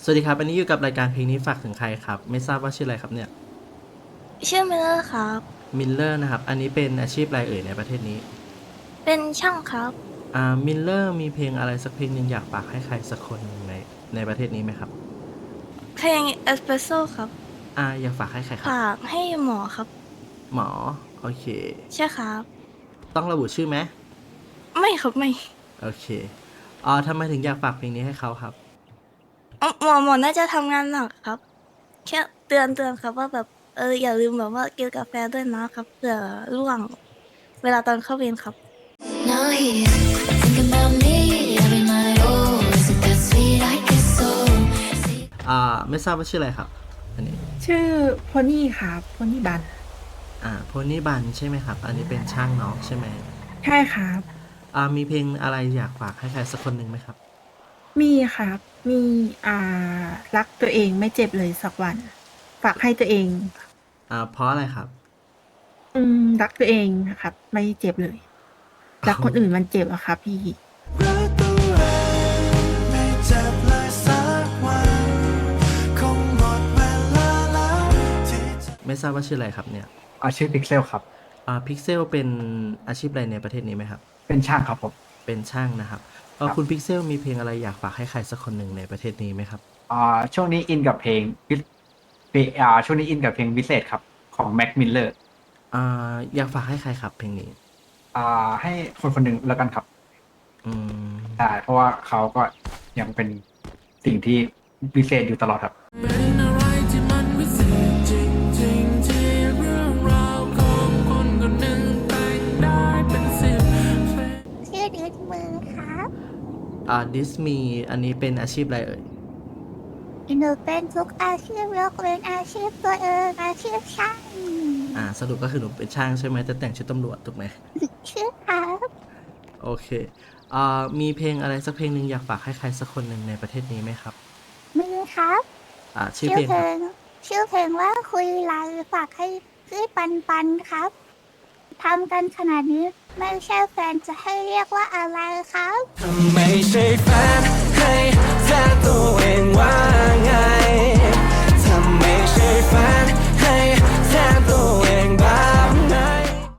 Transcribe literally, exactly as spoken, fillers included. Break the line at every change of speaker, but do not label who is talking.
สวัสดีครับอันนี้อยู่กับรายการเพลงนี้ฝากถึงใครครับไม่ทราบว่าชื่ออะไรครับเนี่ย
ชื่อมิลเลอร์ครับ
มิลเลอร์นะครับอันนี้เป็นอาชีพอะไรเอ่ยในประเทศนี้
เป็นช่างครับ
อ่ามิลเลอร์มีเพลงอะไรสักเพลงหนึ่งอยากฝากให้ใครสักคนหนึ่งในในประเทศนี้ไหมครับ
เพลงเอสเปรสโซ่ครับ
อ่าอยากฝากให้ใครครับ
ฝากให้หมอครับ
หมอโอเค
ใช่ครับ
ต้องระบุชื่อไหม
ไม่ครับไม่
โอเคอ่าทำไมถึงอยากฝากเพลงนี้ให้เขาครับ
อ๋อหมอหมอน่าจะทำงานหนักครับแค่เตือนเตือนครับว่าแบบเอออย่าลืมแบบว่ากินกาแฟด้วยนะครับเผื่อร่วงเวลาตอนเข้าเวรครับ
Now he's thinking about me every night. Oh, is it that sweet? I guess so.
อ่าไม่ทราบว่าชื่ออะไรครับอันนี้
ชื่อโพนี่ครับโพนี่บัน
อ่าโพนี่บันใช่ไหมครับอันนี้เป็นช่างน้องใช่ไหม
ใช่ครับ
อ่ามีเพลงอะไรอยากฝากให้ใครสักคนหนึ่งไหมครับ
มีครับมีอ่ารักตัวเองไม่เจ็บเลยสักวันฝากให้ตัวเอง
อ่าเพราะอะไรครับ
อืมรักตัวเองนะครับไม่เจ็บเลยรักคนอื่นมันเจ็บอะครับพี่
รักตัวเองไม่เจ็บเลยสักวันคงหมดเวลาแล้วที่จะ
ไม่ทราบว่าชื่ออะไรครับเนี่ย
อาชื่อพิกเซลครับ
อ่าพิกเซลเป็นอาชีพอะไรในประเทศนี้ไหมครับ
เป็นช่างครับผม
เป็นช่างนะครับเออ
ครับ
คุณพิกเซลมีเพลงอะไรอยากฝากให้ใครสักคนหนึ่งในประเทศนี้ไหมครับ
อ่าช่วงนี้อินกับเพลงวิเพลงอ่าช่วงนี้อินกับเพลงวิเศษครับของแม็กมิลเลอร์
อ่าอยากฝากให้ใครครับเพลงนี้
อ่าให้คนคนหนึ่งแล้วกันครับ
อืม
ใช่เพราะว่าเขาก็ยังเป็นสิ่งที่วิเศษอยู่ตลอดครับ
เป็นอะไรที่มันวิเศษจริงๆที่เรื่องราวของคนคนหนึ่งแต่งได้เป็นสิบเพลง
ชื่อดิสมือครับ
อ่าดิสมีอันนี้เป็นอาชีพอะไรเอ่ย
หนูเป็นทุกอาชีพยกเว้นอาชีพตัวเองอาชีพช่าง
อ่าสรุปก็คือหนูเป็นช่างใช่ไหมแต่แต่งชุดตำรวจถูกไหม
ชื่อครับ
โอเคอ่ามีเพลงอะไรสักเพลงหนึ่งอยากฝากให้ใครสักคนหนึ่งในประเทศนี้ไหมครับ
มีครับ
อ่าชื่อ
ชื่อเพล
เพลงครับ
งชื่อเพลงว่าคุยไลน์ฝากให้พี่ปันปันครับทำกันขนาดนี้ไม่ใช่แฟนจะให้เรียกว่าอะไรครับ
ไม่ใช่แฟ